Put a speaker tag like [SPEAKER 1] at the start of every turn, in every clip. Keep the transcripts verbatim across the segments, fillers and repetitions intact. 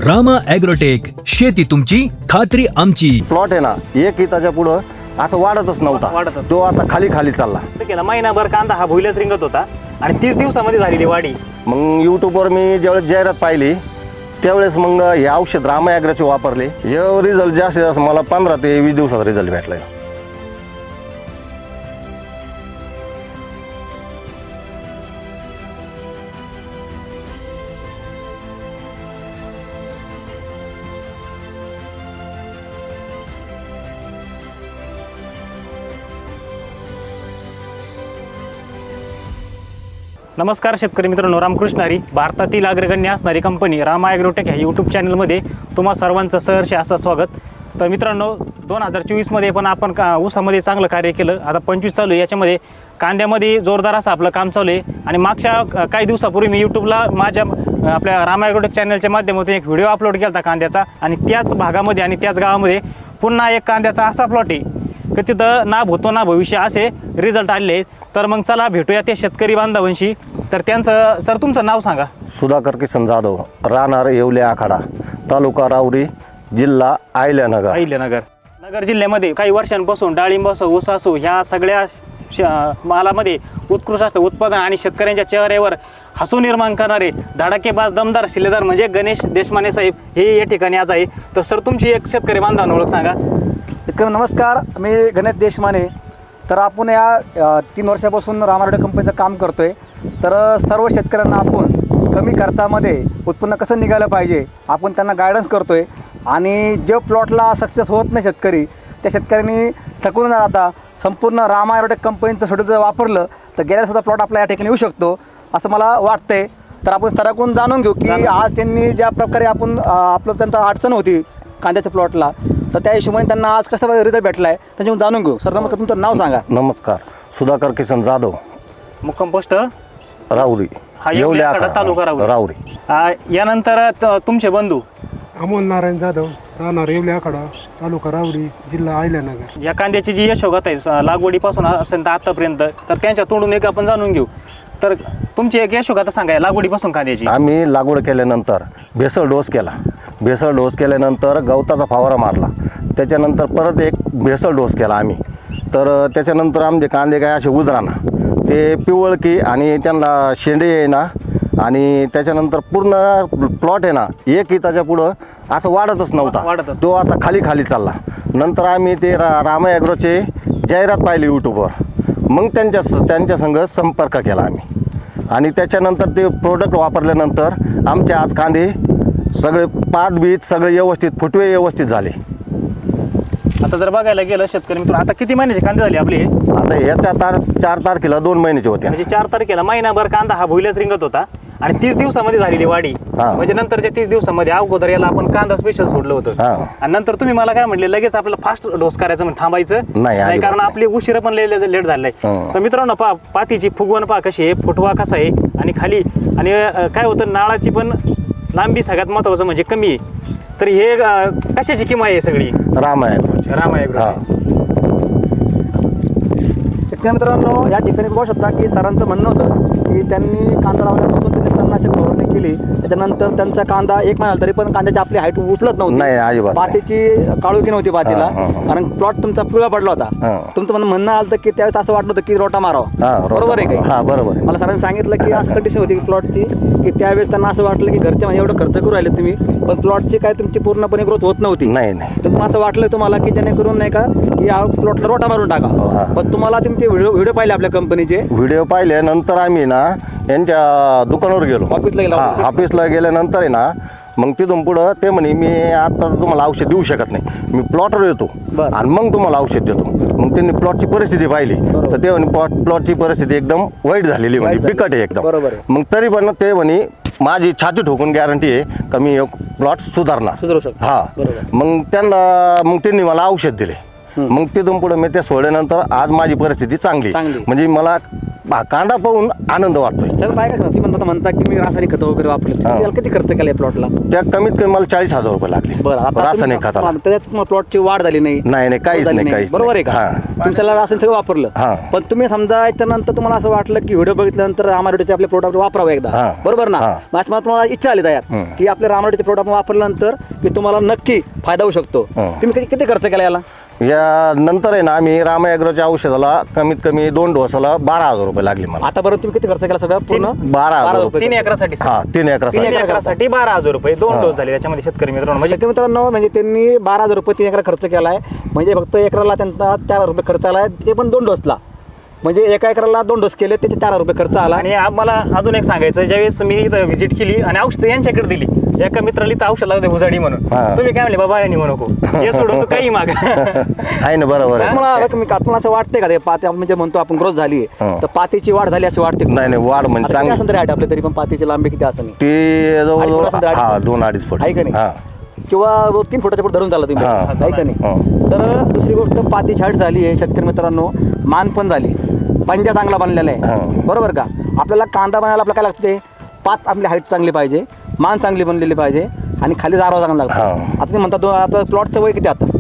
[SPEAKER 1] Rama agrotech, शेती तुमची खात्री आमची.
[SPEAKER 2] प्लॉट आहे ना, एक इताच्या पुढं असं वाढतच नव्हता,
[SPEAKER 3] वाढतच.
[SPEAKER 2] तो असा खाली खाली चालला.
[SPEAKER 3] केला महिनाभर कांदा हा भुईलाच रिंगत होता आणि तीस दिवसामध्ये झालेली वाढी.
[SPEAKER 2] मग यूट्यूबवर मी ज्यावेळेस जाहिरात पाहिली त्यावेळेस मग हे औषध रामा ॲग्रोचे वापरले. हे रिझल्ट जास्तीत जास्त मला पंधरा ते वीस दिवसात रिझल्ट भेटलाय.
[SPEAKER 3] नमस्कार शेतकरी मित्रांनो, रामकृष्ण हरी. भारतातील अग्रगण्य असणारी कंपनी रामा ॲग्रोटेक ह्या यूट्यूब चॅनलमध्ये तुम्हा सर्वांचं सहर्ष असं स्वागत. तर मित्रांनो, दोन हजार चोवीसमध्ये पण आपण का ऊसामध्ये चांगलं कार्य केलं. आता पंचवीस चालू आहे, याच्यामध्ये कांद्यामध्ये जोरदार असं आपलं काम चालू आहे. आणि मागच्या काही दिवसापूर्वी मी यूट्यूबला माझ्या आपल्या रामा ॲग्रोटेक चॅनलच्या माध्यमातून एक व्हिडिओ अपलोड केला होता कांद्याचा. आणि त्याच भागामध्ये आणि त्याच गावामध्ये पुन्हा एक कांद्याचा असा प्लॉट आहे की तिथं ना भूतो ना भविष्य असे रिझल्ट आलेले आहेत. तर मग चला भेटूया ते शेतकरी बांधवांशी. तर त्यांचं सर तुमचं नाव सांगा.
[SPEAKER 2] सुधाकर किसन जाधव, राहणार येवले आखाडा, तालुका राऊरी, जिल्हा अहिल्यानगर.
[SPEAKER 3] अहिल्यानगर नगर जिल्ह्यामध्ये काही वर्षांपासून डाळिंब असो, ऊस असो, ह्या सगळ्या श मालामध्ये उत्कृष्ट उत्पादन आणि शेतकऱ्यांच्या चेहऱ्यावर हसू निर्माण करणारे धडाकेबाज दमदार शिलेदार म्हणजे गणेश देशमाने साहेब हे या ठिकाणी आज आहे. तर सर तुमची एक शेतकरी बांधवांना ओळख सांगा.
[SPEAKER 4] शेतकरी नमस्कार, मी गणेश देशमाने. तर आपण या तीन वर्षापासून रामा ॲग्रोटेक कंपनीचं काम करतो आहे. तर सर्व शेतकऱ्यांना आपण कमी खर्चामध्ये उत्पन्न कसं निघालं पाहिजे आपण त्यांना गायडन्स करतो आहे. आणि जे प्लॉटला सक्सेस होत नाही शेतकरी, त्या शेतकऱ्यांनी थकून न राहता संपूर्ण रामा ॲग्रोटेक कंपनीचं शेड्यूल जर वापरलं तर गेल्यासुद्धा प्लॉट आपला या ठिकाणी येऊ शकतो असं मला वाटतंय. तर आपण सराकडून जाणून घेऊ की आज त्यांनी ज्या प्रकारे आपण आपलं त्यांचा अडचण होती कांद्याच्या प्लॉटला, तर त्या हिशोबाने त्यांना आज कसा रिझल्ट भेटला आहे त्याच्यावरून जाणून घेऊ. सर नमस्कार, तुमचं नाव सांगा.
[SPEAKER 2] नमस्कार, सुधाकर किसन जाधव,
[SPEAKER 3] मुक्काम पोस्ट
[SPEAKER 2] राऊरी,
[SPEAKER 3] हा येवले आखाडा, तालुका राऊरी.
[SPEAKER 2] राऊरी.
[SPEAKER 3] आ, यानंतर त- तुमचे बंधू
[SPEAKER 5] अमोल नारायण जाधव, राहणार येवले आखाडा, तालुका रावरी, जिल्हा अहिल्यानगर.
[SPEAKER 3] या कांद्याची जी यशोगाथा आहे स- लागवडीपासून असेल तर आतापर्यंत, तर त्यांच्या तोंडून एक आपण जाणून घेऊ. तर तुमची एक यशोगाथा सांगा लागवडीपासून कांद्याची.
[SPEAKER 2] आम्ही लागवड केल्यानंतर भेसळ डोस केला. भेसळ डोस केल्यानंतर गवताचा फवारा मारला. त्याच्यानंतर परत एक भेसळ डोस केला आम्ही. तर त्याच्यानंतर आमचे कांदे काय असे उजराना, ते पिवळकी आणि त्यांना शेंडे येईना. आणि त्याच्यानंतर पूर्ण प्लॉट आहे ना, एक इताच्या पुढं असं वाढतच नव्हता,
[SPEAKER 3] वाढतच.
[SPEAKER 2] तो असा खाली खाली चालला. नंतर आम्ही ते रा रामा ॲग्रोचे जाहिरात पाहिली यूट्यूबवर. मग त्यांच्या त्यांच्या संग संपर्क केला आम्ही. आणि त्याच्यानंतर ते प्रोडक्ट वापरल्यानंतर आमचे आज कांदे सगळे पात बीत सगळे व्यवस्थित, फुटवे व्यवस्थित झाले.
[SPEAKER 3] आता जर बघायला गेलं शेतकरी मित्र, आता किती महिन्याचे कांदे झाले आपले?
[SPEAKER 2] आता याच्या तार चार तारखेला दोन महिन्याचे होते.
[SPEAKER 3] म्हणजे चार तारखेला महिनाभर कांदा हा भुईलाच रिंगत होता आणि तीस दिवसामध्ये झालेली वाढी.
[SPEAKER 2] हा.
[SPEAKER 3] म्हणजे नंतरच्या तीस दिवसामध्ये अगोदर याला आपण कांदा स्पेशल सोडलं होतं.
[SPEAKER 2] हा.
[SPEAKER 3] आणि नंतर तुम्ही मला काय म्हणले, लगेच आपल्याला फास्ट डोस करायचं म्हणजे थांबायचं
[SPEAKER 2] नाही, अजिबात
[SPEAKER 3] कारण
[SPEAKER 2] नाही.
[SPEAKER 3] आपली उशीर पण लेट झालेला आहे.
[SPEAKER 2] हा.
[SPEAKER 3] तर मित्रांनो पहा, पातीची फुगवण पहा कशी आहे, फुटवा कसा आहे आणि खाली. आणि अं, काय होतं, नाळाची पण लांबी सगळ्यात महत्वाचं म्हणजे कमी आहे. तर हे अं, कशाची किंमत आहे सगळी?
[SPEAKER 2] रामा ॲग्रोचे.
[SPEAKER 3] रामा ॲग्रो.
[SPEAKER 2] हा.
[SPEAKER 4] शेतकरी मित्रांनो, या ठिकाणी बघू शकता की सरांचं म्हणणं होतं की त्यांनी कांदा लावल्यापासून त्यांनी तणनाशक फवारणी केली. त्याच्यानंतर त्यांचा कांदा एक महिना तरी पण कांद्याची आपली हाईट उचलत
[SPEAKER 2] नाही,
[SPEAKER 4] नव्हती.
[SPEAKER 2] अजिबात नाही.
[SPEAKER 4] पातीची काळोखी नव्हती पातीला,
[SPEAKER 2] हा, हा, हा.
[SPEAKER 4] कारण प्लॉट तुमचा पिवळा पडला होता.
[SPEAKER 2] हा.
[SPEAKER 4] तुमचं म्हणणं म्हणणं आलं होतं की त्यावेळेस असं वाटलं होतं की रोटा मारावा.
[SPEAKER 2] हा, रोटा
[SPEAKER 4] बरोबर आहे
[SPEAKER 2] मारावा.
[SPEAKER 4] काही?
[SPEAKER 2] हा, बरोबर आहे.
[SPEAKER 4] मला सरांनी सांगितलं की असं कंडिशन होती प्लॉटची की त्यावेळेस त्यांना असं वाटलं की घरचे म्हणजे एवढं खर्च करू राहिले तुम्ही, पण प्लॉटची काय तुमची पूर्णपणे ग्रोथ होत नव्हती.
[SPEAKER 2] नाही नाही
[SPEAKER 4] तर मग असं वाटलं तुम्हाला की जेणेकरून नाही का की या प्लॉटला रोटा मारून
[SPEAKER 2] हा.
[SPEAKER 4] टाका. पण तुम्हाला तुमचे व्हिडिओ व्हिडिओ पाहिले आपल्या कंपनीचे,
[SPEAKER 2] व्हिडिओ पाहिल्यानंतर आम्ही ना यांच्या दुकानावर गेलो.
[SPEAKER 4] ऑफिसला गेला.
[SPEAKER 2] हा, ऑफिसला गेल्यानंतर आहे ना, मग तिथून पुढं ते म्हणे मी आता तुम्हाला औषध देऊ शकत नाही, मी प्लॉटवर येतो
[SPEAKER 4] बरं.
[SPEAKER 2] आणि मग तुम्हाला औषध देतो. मग त्यांनी प्लॉटची परिस्थिती पाहिली तर ते म्हणे प्लॉट प्लॉटची परिस्थिती एकदम वाईट झालेली म्हणे,
[SPEAKER 4] वाईट झाली.
[SPEAKER 2] बिकट आहे एकदम.
[SPEAKER 4] बरोबर आहे.
[SPEAKER 2] मग तरी पण ते म्हणे माझी छाती ठोकून गॅरंटी आहे का मी प्लॉट सुधारणार.
[SPEAKER 4] सुधारू शकतो.
[SPEAKER 2] हा.
[SPEAKER 4] बरोबर.
[SPEAKER 2] मग त्यांना मग त्यांनी मला औषध दिले. मग तिथून पुढे मी ते सोडल्यानंतर आज माझी परिस्थिती चांगली.
[SPEAKER 4] चांगली.
[SPEAKER 2] म्हणजे मला बा- कांदा पाहून आनंद वाटतोय.
[SPEAKER 4] सगळं काय करतात तुम्ही म्हणता म्हणता की मी रासायनिक खतं वगैरे वापरले
[SPEAKER 2] हा.
[SPEAKER 4] त्याला किती खर्च केला प्लॉटला?
[SPEAKER 2] त्या कमीत कमी मला चाळीस हजार रुपये लागले
[SPEAKER 4] बरं आता
[SPEAKER 2] रासायनिक
[SPEAKER 4] तुम्ही-
[SPEAKER 2] खताला.
[SPEAKER 4] त्याच्यात तुम्हाला प्लॉटची वाढ झाली नाही
[SPEAKER 2] नाही नाही काहीच
[SPEAKER 4] झाली
[SPEAKER 2] नाही काहीच
[SPEAKER 4] बरोबर आहे
[SPEAKER 2] नाही.
[SPEAKER 4] का?
[SPEAKER 2] हा.
[SPEAKER 4] तुम्ही त्याला रासायनिक सगळं वापरलं
[SPEAKER 2] हा.
[SPEAKER 4] पण तुम्ही समजा याच्यानंतर तुम्हाला असं वाटलं की व्हिडिओ बघितल्यानंतर रामारोडीचे आपले प्रोडक्ट वापरावं एकदा
[SPEAKER 2] हा.
[SPEAKER 4] बरोबर ना?
[SPEAKER 2] हा.
[SPEAKER 4] मग आज मला तुम्हाला इच्छा आली तयार
[SPEAKER 2] हम्म.
[SPEAKER 4] की आपले रामारोडीचे प्रोडक्ट वापरल्यानंतर की तुम्हाला नक्की फायदा होऊ शकतो.
[SPEAKER 2] हम्म.
[SPEAKER 4] तुम्ही किती किती खर्च केला याला?
[SPEAKER 2] या नंतर आहे ना आम्ही रामा ॲग्रोच्या औषधाला कमीत कमी दोन डोसाला बारा हजार रुपये लागले मला.
[SPEAKER 4] आतापर्यंत तुम्ही किती खर्च केला सगळं पूर्ण?
[SPEAKER 2] बारा हजार रुपये.
[SPEAKER 3] तीन एकरासाठी
[SPEAKER 2] हा तीन
[SPEAKER 3] तीन
[SPEAKER 2] एकरासाठी.
[SPEAKER 3] एकरासाठी बारा हजार रुपये दोन
[SPEAKER 2] हा.
[SPEAKER 3] डोस झाले त्याच्यामध्ये शेतकरी मित्रांनो. म्हणजे
[SPEAKER 4] शेतकरी मित्रांनो म्हणजे त्यांनी बारा हजार रुपये तीन एकर खर्च केला आहे म्हणजे फक्त एकराला त्यांचा चार हजार रुपये खर्च आला आहे ते पण दोन डोसला म्हणजे एका एकराला दोन डोस केले त्याचे चार हजार रुपये खर्च आला.
[SPEAKER 3] आणि मला अजून एक सांगायचं ज्यावेळेस मी इथं व्हिजिट केली आणि औषध यांच्याकडे दिली एका मित्राला इथं औषध लागते भुजाडी म्हणून
[SPEAKER 2] हा.
[SPEAKER 3] तुम्ही काय म्हणले बाबा यांनी म्हणू नको हे सोडून तू काही माग
[SPEAKER 2] आहे ना बरोबर आहे.
[SPEAKER 4] तुम्हाला तुम्ही तुम्हाला असं वाटतंय का ते पाती आपण म्हणजे म्हणतो आपण ग्रोथ झाली
[SPEAKER 2] हा.
[SPEAKER 4] तर पातीची वाढ झाली असं वाटते
[SPEAKER 2] नाही नाही वाढ म्हणजे चांगली
[SPEAKER 4] असं तरी आपल्या तरी पण पातीची लांबी किती असं नाही
[SPEAKER 2] ती
[SPEAKER 4] अडीच फूट
[SPEAKER 2] जवळजवळ
[SPEAKER 4] असेल तर अडीच
[SPEAKER 2] हा
[SPEAKER 4] फूट.
[SPEAKER 2] दोन अडीच फूट
[SPEAKER 4] आहे का नाही?
[SPEAKER 2] हा
[SPEAKER 4] किंवा तीन फुटाच्या पुढे धरून झाला तुम्ही
[SPEAKER 2] हा.
[SPEAKER 4] आहे का नाही?
[SPEAKER 2] हा.
[SPEAKER 4] तर दुसरी गोष्ट पाती छाट झाली आहे शेतकरी मित्रांनो मान पण झाली पंजा चांगला बनलेला
[SPEAKER 2] हा.
[SPEAKER 4] आहे बरोबर का? आपल्याला कांदा बनायला आपल्याला काय लागते पात आपली हाईट चांगली पाहिजे मान चांगली बनलेली पाहिजे आणि खाली जारवा चांगला लागतो.
[SPEAKER 2] हा.
[SPEAKER 4] आता तुम्ही म्हणता दो- आपलं प्लॉटचं वय किती आता?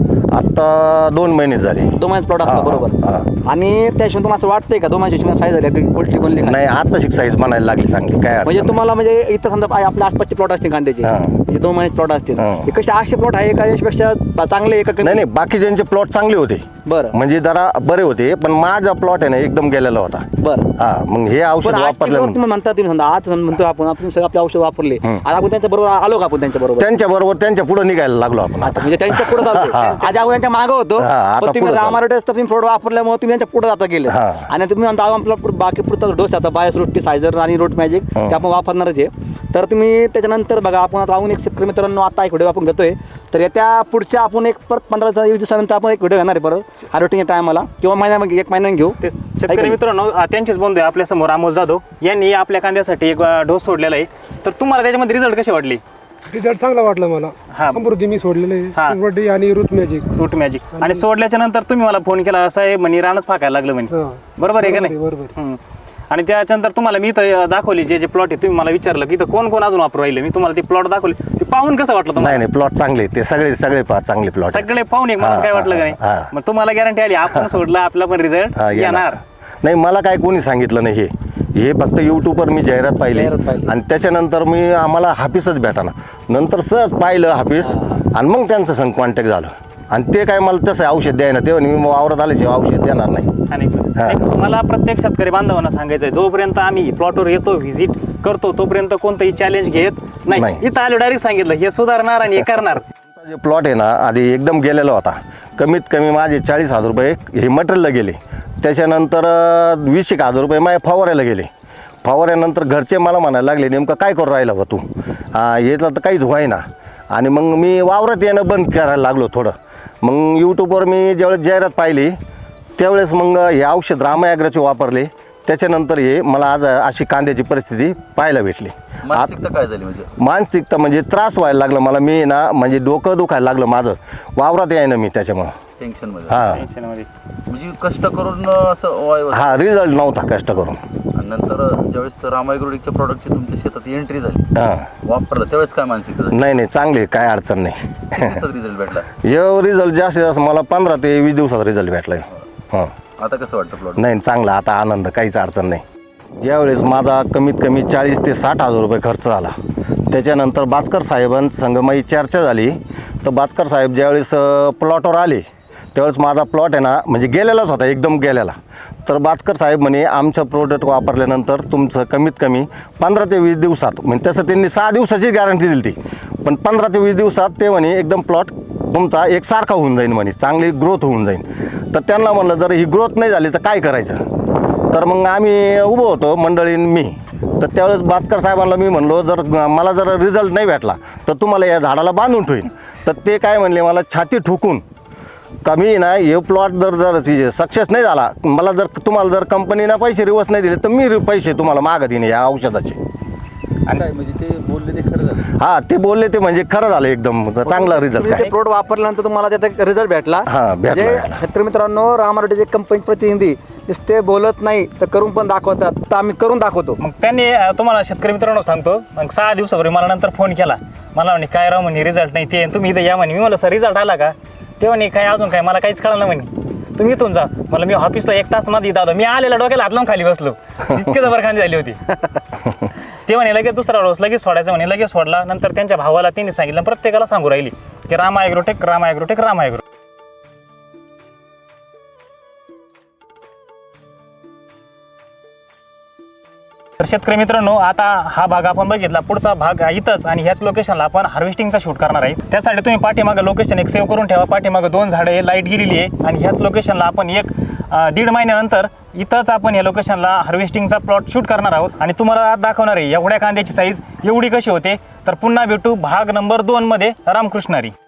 [SPEAKER 2] आता दोन महिने झाले.
[SPEAKER 4] दोन महिन्यात प्लॉट
[SPEAKER 2] हा,
[SPEAKER 4] असतो बरोबर
[SPEAKER 2] हा.
[SPEAKER 4] आणि त्या हिशोबाने तुम्हाला असं वाटतंय का दोन महिन्याची साईज झाली की पोल्ट्री बनली का?
[SPEAKER 2] नाही आता शिक साईज बनायला लागली चांगली काय
[SPEAKER 4] म्हणजे
[SPEAKER 2] अडचण
[SPEAKER 4] तुम्हाला म्हणजे इथं समजा आ- आपल्या आसपासचे प्लॉट असतील कांद्याचे
[SPEAKER 2] हा.
[SPEAKER 4] म्हणजे दोन महिन्याचे प्लॉट असतील
[SPEAKER 2] हा.
[SPEAKER 4] हे कसे आठशे प्लॉट आहे का यापेक्षा चांगले आहे का
[SPEAKER 2] नाही.
[SPEAKER 4] कमी?
[SPEAKER 2] नाही बाकीच्यांचे प्लॉट चांगले होते
[SPEAKER 4] बरं
[SPEAKER 2] म्हणजे जरा बरे होते पण माझा प्लॉट आहे ना एकदम गेलेला होता.
[SPEAKER 4] बरं
[SPEAKER 2] हा मग हे औषध
[SPEAKER 4] पण आजचे प्लॉट
[SPEAKER 2] वापरल्यानंतर
[SPEAKER 4] तुम्ही म्हणता तुम्ही समजा आज म्हणतो आपण आपण सगळं आपले औषध वापरले
[SPEAKER 2] हम्म.
[SPEAKER 4] आज आपण त्यांच्या बरोबर आलो का आपण त्यांच्या बरोबर
[SPEAKER 2] त्यांच्या बरोबर त्यांच्या पुढे निघायला लागलो आपण
[SPEAKER 4] आता म्हणजे त्यांच्या पुढे चालतो
[SPEAKER 2] हा.
[SPEAKER 4] आज आपण त्यांच्या मागं होतो
[SPEAKER 2] हा, आता
[SPEAKER 4] पण तुम्ही
[SPEAKER 2] पुढं चालू.
[SPEAKER 4] रामारोटेस तर तुम्ही प्रोडक्ट वापरल्यामुळे तुम्ही त्यांच्या पुढे जाता गेले
[SPEAKER 2] हा.
[SPEAKER 4] आणि तुम्ही म्हणता आपला पुढं- बाकी पुढचा डोस आता बायस रोटी सायझर आणि रोट मॅजिक
[SPEAKER 2] हा.
[SPEAKER 4] ते आपण वापरणारच आहे. तर तुम्ही त्याच्यानंतर बघा आपण आता अजून एक शेतकरी मित्रांनो आता एक व्हिडिओ आपण घेतोय तर येत्या पुढच्या आपण एक परत पंधरा वीस दिवसानंतर आपण एक व्हिडिओ घेणार आहे परत हार्वेस्टिंग टायमाला किंवा महिन्यामध्ये एक महिन्याने घेऊ
[SPEAKER 3] ते
[SPEAKER 4] आहे का
[SPEAKER 3] शेतकरी
[SPEAKER 4] नाही?
[SPEAKER 3] मित्रांनो आ, त्यांचेच बंधू आहे आपल्या समोर अमोल जाधव यांनी आपल्या कांद्यासाठी एक अ, डोस सोडलेला आहे. तर तुम्हाला त्याच्यामध्ये रिझल्ट कसे वाटले?
[SPEAKER 5] रिझल्ट चांगला वाटला मला.
[SPEAKER 3] हा.
[SPEAKER 5] समृद्धी मी सोडलेले
[SPEAKER 3] हा.
[SPEAKER 5] समृद्धी आणि रूट मॅजिक.
[SPEAKER 3] रूट मॅजिक आणि सोडल्याच्या नंतर तुम्ही मला फोन केला असं आहे म्हणे रानच फाकायला लागलं म्हणे
[SPEAKER 5] हा.
[SPEAKER 3] बरोबर आहे का नाही?
[SPEAKER 5] बरोबर आहे.
[SPEAKER 3] हम्म. आणि त्याच्यानंतर तुम्हाला मी इथं दाखवली जे जे प्लॉट आहे तुम्ही मला विचारलं की इथं कोण कोण अजून वापरू राहिले मी तुम्हाला ते प्लॉट दाखवले ते पाहून कसं वाटलं
[SPEAKER 2] नाही
[SPEAKER 3] तुम्हाला?
[SPEAKER 2] नाही प्लॉट चांगले ते सगळे सगळे पा चांगले प्लॉट
[SPEAKER 3] सगळे पाहून एक मला
[SPEAKER 2] हा,
[SPEAKER 3] काय वाटलं का
[SPEAKER 2] हा,
[SPEAKER 3] नाही
[SPEAKER 2] हा.
[SPEAKER 3] मग तुम्हाला गॅरंटी आली आपण सोडला आपला पण रिझल्ट येणार.
[SPEAKER 2] नाही मला काय कोणी सांगितलं नाही हे हे फक्त यूट्यूबवर मी जाहिरात पाहिली
[SPEAKER 4] जाहिरात पाहिली.
[SPEAKER 2] आणि त्याच्यानंतर मी आम्हाला हाफिसच भेटाना नंतर सहज पाहिलं हाफिस आणि मग त्यांचं संग कॉन्टॅक्ट झालं आणि ते काय मला तसं औषध द्यायना ते म्हणे मी वावरात आल्याशिवाय औषध देणार नाही.
[SPEAKER 3] आणि
[SPEAKER 2] हा.
[SPEAKER 3] एक मला प्रत्येक शेतकरी बांधवांना सांगायचं आहे जोपर्यंत आम्ही प्लॉटवर येतो व्हिजिट करतो तोपर्यंत कोणतंही चॅलेंज घेत नाही.
[SPEAKER 2] नाही.
[SPEAKER 3] इथं आलो डायरेक्ट सांगितलं हे सुधारणार आणि हे करणार.
[SPEAKER 2] आमचा जे प्लॉट आहे ना आधी एकदम गेलेला होता कमीत कमी माझे चाळीस हजार रुपये हे मटेरियलला गेले त्याच्यानंतर अं, वीस एक हजार रुपये माझ्या फवाऱ्याला गेले फवाऱ्यानंतर घरचे मला म्हणायला लागले नेमकं काय करू राहिला बा तू हा, यातलं तर काहीच व्हायना आणि मग मी वावरात येणं बंद करायला लागलो थोडं मग यूट्यूबवर मी ज्यावेळेस जाहिरात पाहिली त्यावेळेस मग हे औषध रामा ॲग्रोचे वापरले त्याच्यानंतर हे मला आज अशी कांद्याची परिस्थिती पाहायला भेटली.
[SPEAKER 6] मानसिकता काय झाली म्हणजे?
[SPEAKER 2] मानसिकता म्हणजे त्रास व्हायला लागला मला मी ना म्हणजे डोकं दुखायला लागलं माझं वावरात यायनं मी त्याच्यामुळं
[SPEAKER 6] टेन्शन मध्ये
[SPEAKER 2] हां
[SPEAKER 3] टेन्शनमध्ये.
[SPEAKER 6] म्हणजे कष्ट करून असं वाय-
[SPEAKER 2] हा रिझल्ट नव्हता कष्ट करून
[SPEAKER 6] आणि नंतर ज्यावेळेस रामायग्रोडिकच्या प्रॉडक्टची तुमच्या शेतात एंट्री झाली
[SPEAKER 2] हां
[SPEAKER 6] वापरलं त्यावेळेस काय मानसिकता झाली?
[SPEAKER 2] नाही नाही चांगले काय अडचण नाही
[SPEAKER 6] दिवसात रिझल्ट भेटला.
[SPEAKER 2] हे रिझल्ट जास्तीत जास्त मला पंधरा ते वीस दिवसात रिझल्ट भेटलाय. हां
[SPEAKER 6] आता कसं वाटतं प्लॉट?
[SPEAKER 2] नाही चांगला आता आनंद काहीच अडचण नाही. ज्यावेळेस माझा कमीत कमी चाळीस ते साठ हजार रुपये खर्च झाला त्याच्यानंतर बाचकर साहेबांसंग माझी चर्चा झाली तर बाचकर साहेब ज्यावेळेस प्लॉटवर आले त्यावेळेस माझा प्लॉट आहे ना म्हणजे गेलेलाच होता एकदम गेलेला तर बाचकर साहेब म्हणे आमचं प्रोडक्ट वापरल्यानंतर तुमचं कमीत कमी पंधरा ते वीस दिवसात म्हणजे तसं त्यांनी सहा दिवसाची गॅरंटी दिली ती पण पंधरा ते वीस दिवसात ते म्हणे एकदम प्लॉट तुमचा एकसारखा होऊन जाईल म्हणे चांगली ग्रोथ होऊन जाईल. तर त्यांना म्हणलं जर ही ग्रोथ नाही झाली तर काय करायचं तर मग आम्ही उभं होतो मंडळीन मी तर त्यावेळेस बाचकर साहेबांना मी म्हणलो जर मला जर रिझल्ट नाही भेटला तर तुम्हाला या झाडाला बांधून ठेवीन तर ते काय म्हणले मला छाती ठोकून कमी ना हे प्लॉट जर जर सक्सेस नाही झाला मला जर तुम्हाला जर कंपनीनं पैसे रिवर्स नाही दिले तर मी रि- पैसे तुम्हाला मागत येईन या औषधाचे.
[SPEAKER 6] काय म्हणजे ते बोलले ते खरं झालं?
[SPEAKER 2] हा ते बोलले ते म्हणजे खरं झालं एकदम चांगला रिझल्ट
[SPEAKER 4] तुम्ही
[SPEAKER 2] काय
[SPEAKER 4] ते प्रोडक्ट वापरल्यानंतर तुम्हाला त्याचा रिझल्ट भेटला
[SPEAKER 2] हा, भेटला,
[SPEAKER 4] म्हणजे
[SPEAKER 2] भेटला.
[SPEAKER 4] शेतकरी मित्रांनो रामारोटेचे कंपनी प्रतिनिधी नुसते बोलत नाही तर करून पण दाखवतात, तर आम्ही करून दाखवतो.
[SPEAKER 3] मग त्यांनी अं, तुम्हाला शेतकरी मित्रांनो सांगतो, मग सहा दिवसापूर्वी मला नंतर फोन केला. मला म्हणे काय राव म्हणे रिझल्ट नाही ते, तुम्ही इथं या म्हणे. मी म्हणलं सर रिझल्ट आला का? ते म्हणे काय अजून काय, मला काहीच कळलं म्हणे. तुम्ही इथून जा. मला मी ऑफिसला एक तास मध्ये इथं आलो. मी आलेला डोक्याला हात लावून खाली बसलो, इतके जबरखांदी झाली होती. ते म्हणे लगेच दुसरा डोस लगेच सोडायचं म्हणे, लगेच सोडला. नंतर त्यांच्या भावाला त्यांनी सांगितलं, प्रत्येकाला सांगू राहिली की Rama agrotech Rama agrotech Rama agro. तर शेतकरी मित्रांनो, आता हा भाग आपण बघितला, पुढचा भाग इथंच आणि ह्याच लोकेशनला आपण हार्वेस्टिंगचा शूट करणार आहे. त्यासाठी तुम्ही पाठीमागं लोकेशन एक सेव्ह करून ठेवा. पाठीमागं दोन झाडं आहे, लाईट गेलेली आहे आणि ह्याच लोकेशनला आपण एक अं, दीड महिन्यानंतर इथंच आपण या लोकेशनला हार्वेस्टिंगचा प्लॉट शूट करणार आहोत आणि तुम्हाला आज दाखवणार आहे एवढ्या कांद्याची साईज एवढी कशी होते. तर पुन्हा भेटू भाग नंबर दोनमध्ये. रामकृष्ण हरी.